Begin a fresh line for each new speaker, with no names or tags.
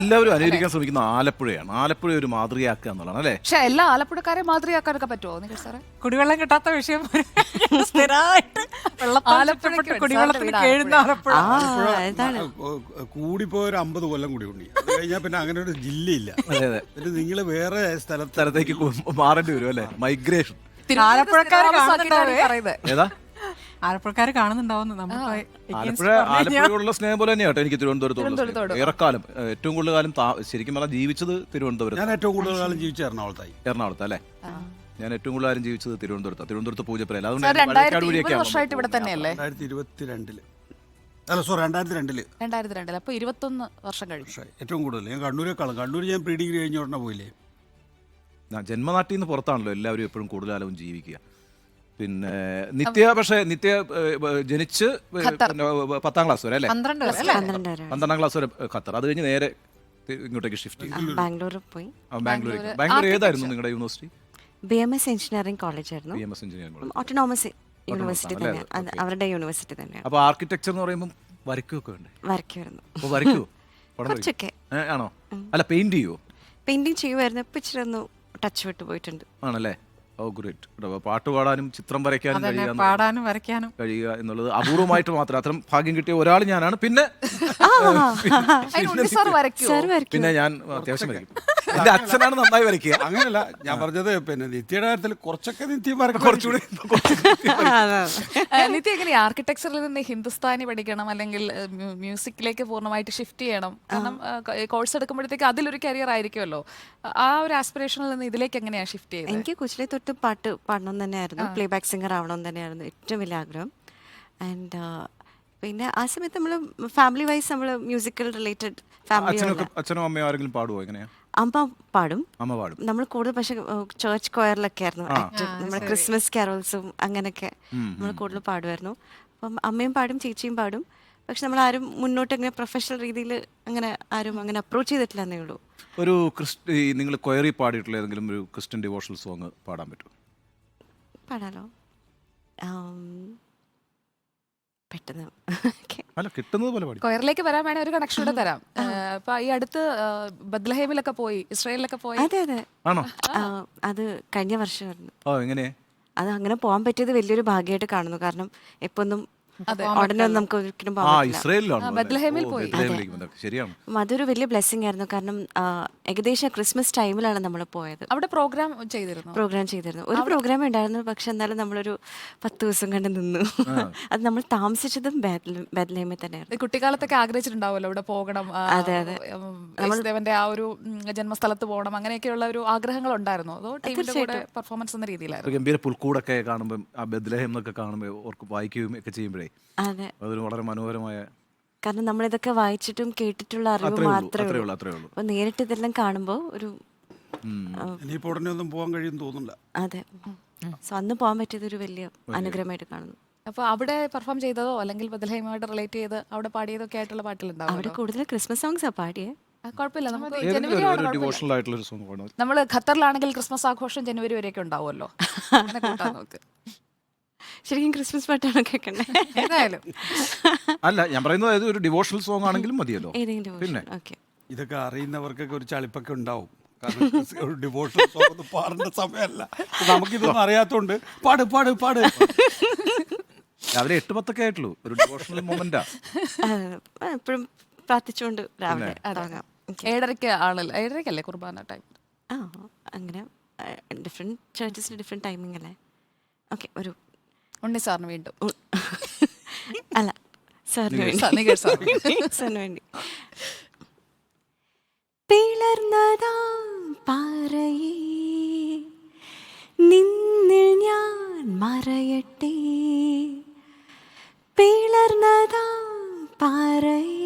എല്ലാവരും അനുകരിക്കാൻ ശ്രമിക്കുന്ന ആലപ്പുഴയാണ്. ആലപ്പുഴ ഒരു മാതൃകയാക്കുക എന്നുള്ളതാണ് അല്ലേ?
പക്ഷെ എല്ലാ ആലപ്പുഴക്കാരെ മാതൃകയാക്കാനൊക്കെ പറ്റുമോ നികേഷ് സാറേ?
കുടിവെള്ളം കിട്ടാത്ത വിഷയം സ്ഥിരമായിട്ട് വെള്ളപ്പാലപ്പുഴയ്ക്ക് കുടിവെള്ളത്തിന് കേഴുന്ന ആലപ്പുഴ.
കൂടിപ്പോ ഒരു 50 കൊല്ലം കൂടി ഉണ്ട്. അത് കഴിഞ്ഞാൽ പിന്നെ അങ്ങനെ ഒരു ജില്ലയില്ല. പിന്നെ നിങ്ങൾ വേറെ
സ്ഥലത്തേക്ക് മാറേണ്ടി വരും അല്ലേ? മൈഗ്രേഷൻ.
ആലപ്പുഴക്കാർ കാണുന്നുണ്ടാവുന്നു.
ആലപ്പുഴയുള്ള സ്നേഹം പോലെ തന്നെയാട്ടോ എനിക്ക് തിരുവനന്തപുരത്തോട് ഏറെക്കാലം ഏറ്റവും കൂടുതൽ കാലം ശരിക്കും പറഞ്ഞാൽ ജീവിച്ചത് തിരുവനന്തപുരം.
ഞാൻ ഏറ്റവും കൂടുതൽ കാലം ജീവിച്ച
എറണാകുളത്ത് അല്ലേ? ഞാൻ ഏറ്റവും കൂടുതൽ കാലം ജീവിച്ചത് തിരുവനന്തപുരത്ത് പൂജപ്പുരയിൽ. അതുകൊണ്ട്
2020 വർഷമായിട്ട് ഇവിടെ തന്നെയല്ലേ?
2022 അല്ല സോറി 2002
അപ്പൊ 21 വർഷം കഴിഞ്ഞു.
ഏറ്റവും കൂടുതൽ ഞാൻ കണ്ണൂർ ഞാൻ പ്രീ ഡിഗ്രി കഴിഞ്ഞ ഉടനെ പോയില്ലേ.
ജന്മനാട്ടിൽ നിന്ന് പുറത്താണല്ലോ എല്ലാവരും എപ്പോഴും കൂടുതൽ കാലവും ജീവിക്കുക. പിന്നെ നിത്യ ജനിച്ച് 10ാം ക്ലാസ് വരെ അല്ലേ? 12ാം ക്ലാസ് വരെ ഖത്തർ. അത് കഴിഞ്ഞ് നേരെ ഇങ്ങോട്ടേക്ക് ഷിഫ്റ്റ് ചെയ്തു. ബാംഗ്ലൂർ ഏതായിരുന്നു നിങ്ങളുടെ യൂണിവേഴ്സിറ്റി?
BMS എഞ്ചിനീയറിംഗ് കോളേജ് ആയിരുന്നു.
BMS engineering college
autonomous university തന്നെ, അവരുടെ യൂണിവേഴ്സിറ്റി തന്നെയാണ്.
അപ്പോൾ ആർക്കിടെക്ചർ എന്ന് പറയുമ്പോൾ വരയ്ക്കുകയൊക്കെ ഉണ്ട്.
വരയ്ക്കുമായിരുന്നു.
അപ്പോൾ വരയ്ക്കുമോ?
കുറച്ചൊക്കെ.
ആണോ? അല്ല പെയിന്റ് ചെയ്യുമോ?
പെയിന്റിങ് ചെയ്യുമായിരുന്നു. ഇപ്പം ഇച്ചിരി ഒന്ന് ടച്ച് വിട്ട് പോയിട്ടുണ്ട്.
ആണല്ലേ? Oh great. പാട്ട് പാടാനും ചിത്രം വരയ്ക്കാനും കഴിയുക എന്നുള്ളത് അപൂർവമായിട്ട് മാത്രം. അത്തരം ഭാഗ്യം കിട്ടിയ ഒരാൾ ഞാനാണ്. പിന്നെ ഞാൻ അത്യാവശ്യം വരയ്ക്കും. എന്റെ അച്ഛനാണ് നന്നായി വരയ്ക്കുക.
അങ്ങനെയല്ല ഞാൻ പറഞ്ഞത്. പിന്നെ നിത്യയുടെ കാര്യത്തിൽ കുറച്ചൊക്കെ നിത്യം
കുറച്ചുകൂടി
നിത്യ എങ്ങനെയാ ആർക്കിടെക്ചറിൽ നിന്ന് ഹിന്ദുസ്ഥാനി പഠിക്കണം അല്ലെങ്കിൽ മ്യൂസിക്കിലേക്ക് പൂർണ്ണമായിട്ട് ഷിഫ്റ്റ് ചെയ്യണം? കാരണം കോഴ്സ് എടുക്കുമ്പോഴത്തേക്ക് അതിലൊരു കരിയർ ആയിരിക്കുമല്ലോ. ആ ഒരു ആസ്പിറേഷനിൽ നിന്ന് ഇതിലേക്ക് എങ്ങനെയാ ഷിഫ്റ്റ് ചെയ്യുന്നത്?
എനിക്ക് കൊച്ചിലെ തൊട്ട് പാട്ട് പാടണം തന്നെയായിരുന്നു. പ്ലേ ബാക്ക് സിംഗർ ആവണം തന്നെയായിരുന്നു ഏറ്റവും വലിയ ആഗ്രഹം. ആൻഡ് പിന്നെ ആ സമയത്ത് നമ്മൾ ഫാമിലി വൈസ് നമ്മൾ മ്യൂസിക്കൽ റിലേറ്റഡ്
അച്ഛനും അമ്മയോ ആരെങ്കിലും പാടുവോ? എങ്ങനെയാ?
അമ്മ പാടും.
നമ്മൾ
കൂടുതൽ പക്ഷെ ചേർച്ച് കൊയറിലൊക്കെ ആയിരുന്നു ആക്റ്റീവ്. നമ്മുടെ ക്രിസ്മസ് കാരോൾസും അങ്ങനെയൊക്കെ നമ്മൾ കൂടുതൽ പാടുമായിരുന്നു. അപ്പം അമ്മയും പാടും, ചേച്ചിയും പാടും. പക്ഷെ നമ്മൾ ആരും മുന്നോട്ട് അങ്ങനെ പ്രൊഫഷണൽ രീതിയിൽ അങ്ങനെ ആരും അങ്ങനെ അപ്രോച്ച് ചെയ്തിട്ടില്ല എന്നേ ഉള്ളൂ.
ഒരു നിങ്ങൾ കൊയറി പാടിയിട്ടുള്ള ഏതെങ്കിലും ഒരു ക്രിസ്ത്യൻ ഡിവോഷണൽ സോങ് പാടാൻ പറ്റുമോ?
പാടാലോ. പെട്ടെന്ന്
അല്ല കിട്ടുന്നത് പോലെ പാടി.
കൊയറിലേക്ക് വരാൻ വേണേ ഒരു കണക്ഷൻ കൂടെ തരാം. ഇപ്പൊ ഈ അടുത്ത് ബത്ലഹേമിലൊക്കെ പോയി, ഇസ്രായേലിലൊക്കെ പോയി.
അതെ.
ആണോ?
അത് കഴിഞ്ഞ വർഷമായിരുന്നു.
എങ്ങനെ?
അത് അങ്ങനെ പോകാൻ പറ്റിയത് വലിയൊരു ഭാഗ്യമായിട്ട് കാണുന്നു. കാരണം എപ്പൊന്നും ഉടനെ നമുക്ക് ഒരിക്കലും അതൊരു വലിയ ബ്ലെസ്സിങ് ആയിരുന്നു. കാരണം ഏകദേശം ക്രിസ്മസ് ടൈമിലാണ് നമ്മൾ പോയത്.
അവിടെ പ്രോഗ്രാം ചെയ്തിരുന്നു. ഒരു പ്രോഗ്രാം ഉണ്ടായിരുന്നു. പക്ഷെ എന്നാലും നമ്മളൊരു 10 ദിവസം കണ്ട് നിന്നു. അത് നമ്മൾ താമസിച്ചതും ബെത്ലഹേമിൽ തന്നെയായിരുന്നു. കുട്ടിക്കാലത്തൊക്കെ ആഗ്രഹിച്ചിട്ടുണ്ടാവുമല്ലോ ഇവിടെ പോകണം, ദേവന്റെ ആ ഒരു ജന്മസ്ഥലത്ത് പോകണം, അങ്ങനെയൊക്കെയുള്ള ഒരു ആഗ്രഹങ്ങൾ ഉണ്ടായിരുന്നു. അതോ ടീമിന്റെ കൂടെ പെർഫോമൻസ് എന്ന രീതിയിലായിരുന്നു?
ഗംഭീര പുൽക്കൂടൊക്കെ കാണുമ്പോൾ ആ ബെത്ലഹേം എന്നൊക്കെ കാണുമ്പോൾ ഓർക്ക് വായിക്കുകയും ഒക്കെ ചെയ്യുമ്പോഴേ അതൊരു വളരെ മനോഹരമായ,
കാരണം നമ്മളിതൊക്കെ വായിച്ചിട്ടും കേട്ടിട്ടുള്ള അറിവ് മാത്രമേ ഉള്ളൂ. അപ്പൊ നേരിട്ട് ഇതെല്ലാം കാണുമ്പോൾ ഒരു
പോകാൻ കഴിയുമെന്ന് തോന്നുന്നില്ല.
അതെ. സോ അന്ന് പോകാൻ പറ്റിയത് ഒരു വലിയ അനുഗ്രഹമായിട്ട് കാണുന്നു.
അപ്പൊ അവിടെ പെർഫോം ചെയ്തതോ അല്ലെങ്കിൽ ബദൽഹേമുമായിട്ട് റിലേറ്റ് ചെയ്ത് അവിടെ പാടിയതൊക്കെ ആയിട്ടുള്ള പാട്ടുകളുണ്ടാവും?
അവിടെ കൂടുതൽ ക്രിസ്മസ് സോങ്സാ പാടിയേ.
കുഴപ്പമില്ല.
നമ്മൾ
ഖത്തറിലാണെങ്കിൽ ക്രിസ്മസ് ആഘോഷം ജനുവരി വരെയൊക്കെ ഉണ്ടാവുമല്ലോ.
ശരിക്കും ക്രിസ്മസ് പാട്ടാണ് കേൾക്കണ്ടേ?
അല്ല ഞാൻ പറയുന്നത് ഒരു ഡിവോഷണൽ സോങ് ആണെങ്കിലും മതിയല്ലോ.
പിന്നെ
ഇതൊക്കെ അറിയുന്നവർക്കൊക്കെ ഒരു ചളിപ്പൊക്കെ ഉണ്ടാവും. കാരണം ഒരു ഡിവോഷണൽ സോങ് പാടേണ്ട സമയമല്ല. നമുക്കിതൊന്നും അറിയാത്തോണ്ട് പാട് പാട് പാട്.
രാവിലെ 8:10 ആയിട്ടുള്ളൂ. ഒരു ഡിവോഷണൽ മൊമെന്റാ.
എപ്പോഴും പ്രാർത്ഥിച്ചുകൊണ്ട് രാവിലെ
7:30 ആണല്ലോ. 7:30 കുർബാന ടൈം.
അങ്ങനെ ഡിഫറെന്റ് ചർച്ചസിന് ഡിഫറെന്റ് ടൈമിംഗ് അല്ലേ? ഓക്കെ. ഒരു
ഉണ്ണി സാറിന് വീണ്ടും
അല്ല സാറിന് വേണ്ടി. പിളർന്നതാ പാറയേ നിന്നിൽ ഞാൻ മറയട്ടെ, പിളർന്നതാ പാറയേ